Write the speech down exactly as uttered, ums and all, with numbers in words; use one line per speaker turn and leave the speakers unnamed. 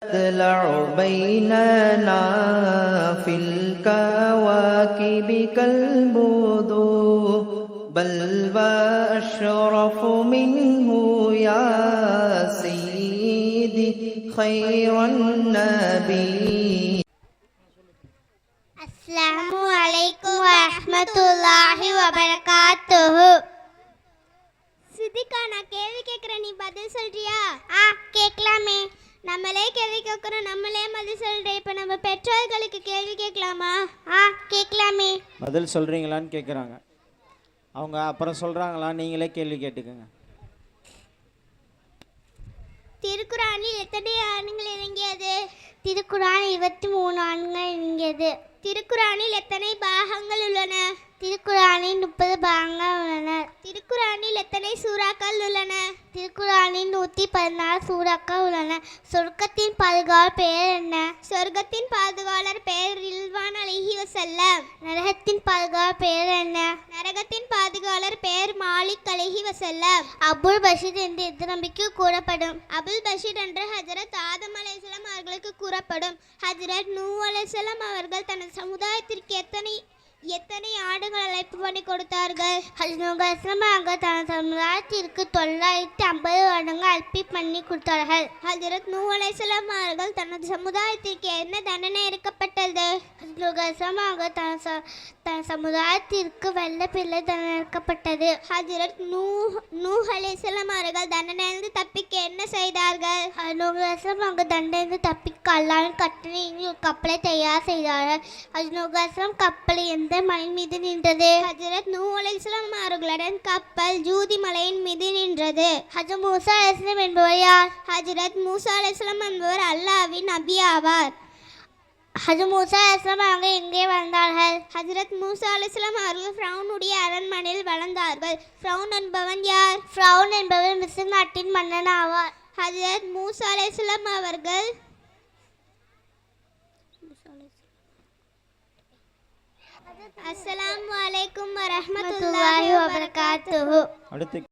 تطلع بيننا في الكواكب كالبدور بل وأشرف منه يا سيدي خير النبي.
அஸ்ஸலாமு அலைக்கும் வரஹ்மத்துல்லாஹி வபரகாத்துஹு. சித்திகா, நான் கேள்வி கேட்குறேன், நீ பதில் சொல்றியா? ஆ, கேட்கலாமே. நம்மளே கேள்வி கேட்குறோம், நம்மளே பதில் சொல்கிறேன். இப்போ நம்ம பெற்றோர்களுக்கு கேள்வி கேட்கலாமா? ஆ, கேட்கலாமே.
பதில் சொல்கிறீங்களான்னு கேட்குறாங்க. அவங்க அப்புறம் சொல்கிறாங்களா, நீங்களே கேள்வி கேட்டுக்கோங்க.
திருக்குறானில் எத்தனை ஆண்கள் இறங்கியது? திருக்குறான் இருபத்தி மூணு ஆண்கள் இறங்கியது. திருக்குறானில் எத்தனை பாகங்கள் உள்ளன? திருக்குறானில் முப்பது பாகங்கள் உள்ளன. திருக்குறானில் எத்தனை சூறாக்கள் உள்ளன? திருக்குறானில் நூற்றி பதினாறு சூறாக்கள் உள்ளன. சொர்க்கத்தின் பாதுகாவலர் பெயர் என்ன? சொர்க்கத்தின் பாதுகாவலர் பெயர் ரில்வான் அலைஹி வஸல்லம். நரகத்தின் பாதுகாவலர் பெயர் என்ன? நரகத்தின் பாதுகாவலர் பெயர் மாலிக் அலைஹி வஸல்லம். அபுல் பஷீர் என்று எது நம்பிக்கை கூறப்படும்? அபுல் பஷீர் என்று ஹஜரத் ஆதம் அலைஹிஸ்ஸலாம் அவர்களுக்கு கூறப்படும். ஹஜரத் நூ அலைஹிஸ்ஸலாம் அவர்கள் தனது சமுதாயத்திற்கு எத்தனை எத்தனை ஆடுகள் அழைப்பு பண்ணி கொடுத்தார்கள்? அவர்கள் தனது சமுதாயத்திற்கு தொள்ளாயிரத்தி ஐம்பது ஆடுகள் அழைப்பு பண்ணி கொடுத்தார்கள். ஹஜரத் நூ அலைஹிஸ்ஸலாம் அவர்கள் தனது சமுதாயத்திற்கு என்ன தண்டனை இருக்கப்பட்டது? அவர்கள் தனது தன் சமுதாயத்திற்கு வெள்ள பிள்ளை தண்டனை இருக்கப்பட்டது. ஹஜரத் நூ நூ அலைஹிஸ்ஸலாம் அவர்கள் தண்டனையிலிருந்து தப்பிக்க என்ன செய்தார்கள்? அவங்க தண்டனையிலிருந்து தப்பிக்க அல்லாஹ்வின் கட்டளையின் ஒரு கப்பலை தயார் செய்தார்கள். ஹஜ்ரத் கப்பலை எந்த மலையின் மீது நின்றது? ஹஜரத் நூ அலைஹிஸ்ஸலாம் அவர்களுடன் கப்பல் ஜூதி மலையின் மீது நின்றது. ஹஜரத் மூசா அலைஹிஸ்ஸலாம் என்பவர் யார்? ஹஜரத் மூசா அலைஹிஸ்ஸலாம் என்பவர் அல்லாஹ்வின் நபி ஆவார். ஹஜரத் மூசா அலைஹிஸ்ஸலாம் அவர்கள் எங்கே வளர்ந்தார்கள்? ஹஜரத் மூசா அலைஹிஸ்ஸலாம் அவர்கள் ஃபிரௌனுடைய அரண்மனையில் வளர்ந்தார்கள். ஃபிரௌன் என்பவன் யார்? ஃபிரௌன் என்பவர் மிஸ்ர் நாட்டின் மன்னன் ஆவார். ஹஜரத் மூசா அலைஹிஸ்ஸலாம் அவர்கள் அஸ்ஸலாமு அலைக்கும் வரஹ்மத்துல்லாஹி வபரகாத்துஹு.
அடுத்து